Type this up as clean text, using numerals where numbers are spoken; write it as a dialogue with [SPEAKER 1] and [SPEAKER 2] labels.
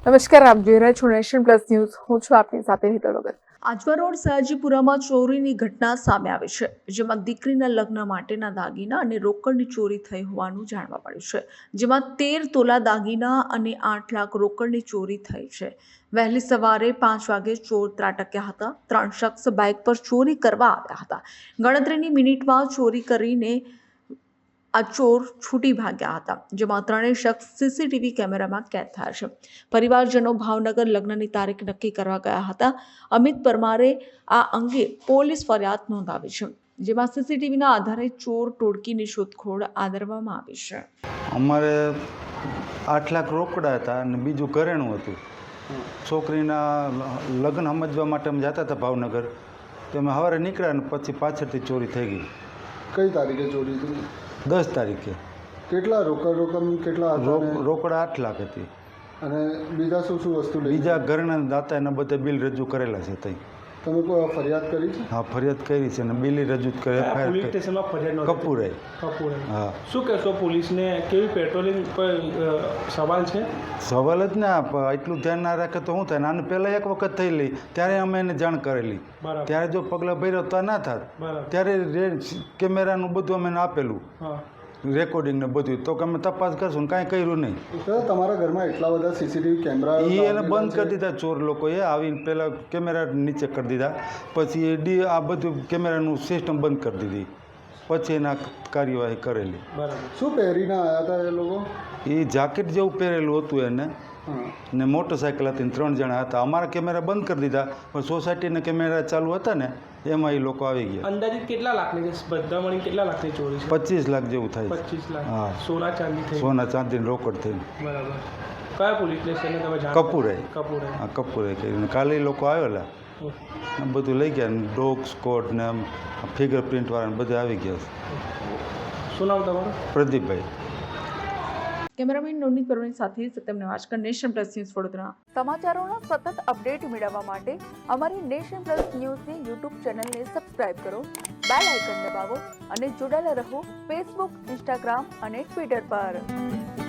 [SPEAKER 1] નમસ્કાર, આપ જોઈ રહ્યા છો નેશન પ્લસ ન્યૂઝ. હું છું આપની સાથે હિતલ વગર.
[SPEAKER 2] આજવા રોડ સયાજીપુરામાં ચોરીની ઘટના સામે આવી છે, જેમાં દીકરીના લગ્ન માટેના દાગીના અને રોકડની ચોરી થઈ હોવાનું જાણવા મળ્યું છે. જેમાં 13 તોલા દાગીના અને 8 લાખ રોકડની ચોરી થઈ છે. વહેલી સવારે 5 વાગે ચોર ત્રાટક્યા હતા. 3 શખ્સ બાઇક પર ચોરી કરવા આવ્યા હતા. ગણતરીની મિનિટમાં ચોરી કરીને આ ચોર છૂટી ભાગ્યા હતા, જેમાં 3 શખ્સ સીસીટીવી કેમેરામાં કેદ થયા છે. પરિવારજનો ભાવનગર લગ્નની તારીખ નક્કી કરવા ગયા હતા. અમિત પરમારે આ અંગે પોલીસ ફરિયાદ નોંધાવી છે, જેમાં સીસીટીવીના આધારે ચોર ટોળકીની શોધખોળ આદરવામાં આવી છે.
[SPEAKER 3] અમારે 8 લાખ રોકડા હતા અને બીજું ઘરેણું હતું. છોકરીના લગ્ન સમજવા માટે અમે જતા હતા ભાવનગર, તો અમે સવારે નીકળ્યા અને પછી પાછળથી ચોરી થઈ ગઈ.
[SPEAKER 4] કઈ તારીખે ચોરી થઈ?
[SPEAKER 3] 10 તારીખે.
[SPEAKER 4] કેટલા રકમ કેટલા
[SPEAKER 3] રોકડા 8 લાખ હતી
[SPEAKER 4] અને બીજા શું શું વસ્તુ લઈ?
[SPEAKER 3] બીજા ઘરના દાતા એના બધા બિલ રજૂ કરેલા છે. તઈ
[SPEAKER 4] તમે કોઈ ફરિયાદ કરી છે?
[SPEAKER 3] હા, ફરિયાદ કરી છે અને બિલ રજૂ કરે.
[SPEAKER 5] પોલીસ સ્ટેશનમાં ફરિયાદ
[SPEAKER 3] કપૂરે. હા.
[SPEAKER 5] શું કહેશો પોલીસને? કેવી પેટ્રોલિંગ પર સવાલ છે?
[SPEAKER 3] સવાલ જ ના, એટલું ધ્યાન ના રાખે તો શું થાય? આને પહેલાં એક વખત થયેલી, ત્યારે અમે એને જાણ કરેલી. ત્યારે જો પગલાં ભર્યો તો ના થાત. ત્યારે કેમેરાનું બધું અમે એને આપેલું, રેકોર્ડિંગ ને બધું, તો અમે તપાસ કરશું. કાંઈ કર્યું નહીં.
[SPEAKER 4] તમારા ઘરમાં એટલા બધા સીસીટીવી કેમેરા
[SPEAKER 3] એને બંધ કરી દીધા ચોર લોકોએ. આવીને પહેલાં કેમેરા નીચે કરી દીધા, પછી આ બધું કેમેરાનું સિસ્ટમ બંધ કરી દીધી, પછી એના કાર્યવાહી કરેલી.
[SPEAKER 4] શું પહેરીને આવ્યા હતા એ લોકો?
[SPEAKER 3] એ જાકેટ જેવું પહેરેલું હતું એને, ને મોટરસાઇકલ હતી, 3 જણા હતા. અમારા કેમેરા બંધ કરી દીધા, પણ સોસાયટીના કેમેરા ચાલુ હતા ને, એમાં એ લોકો આવી ગયા.
[SPEAKER 5] અંદાજિત કેટલા લાખની છે? બધા મળીને કેટલા લાખની ચોરી છે?
[SPEAKER 3] 25 લાખ જેવું થાય.
[SPEAKER 5] 25 લાખ.
[SPEAKER 3] હા.
[SPEAKER 5] સોના ચાંદી થઈ?
[SPEAKER 3] સોના ચાંદીને રોકડ થઈને.
[SPEAKER 5] બરાબર. કયા પોલીસ સ્ટેશને તમે જાણ?
[SPEAKER 3] કપૂરે. હા, કપૂરે કરીને કાલે એ લોકો આવેલા, બધું લઈ ગયા. ડોગ સ્કોડ ને ફિંગર પ્રિન્ટ વાળા બધા આવી ગયા.
[SPEAKER 5] શું નામ તમારું?
[SPEAKER 3] પ્રદીપભાઈ.
[SPEAKER 2] કેમેરામેન નોની પરવીન સાથે Satyam Newajkar, Nation Plus News Vadodara.
[SPEAKER 1] સમાચારોના સતત અપડેટ મેળવવા માટે અમારી નેશન પ્લસ ન્યૂઝની યુટ્યુબ ચેનલને સબસ્ક્રાઇબ કરો, બેલ આઇકન દબાવો અને જોડાયેલા રહો ફેસબુક, ઇન્સ્ટાગ્રામ અને ટ્વિટર પર.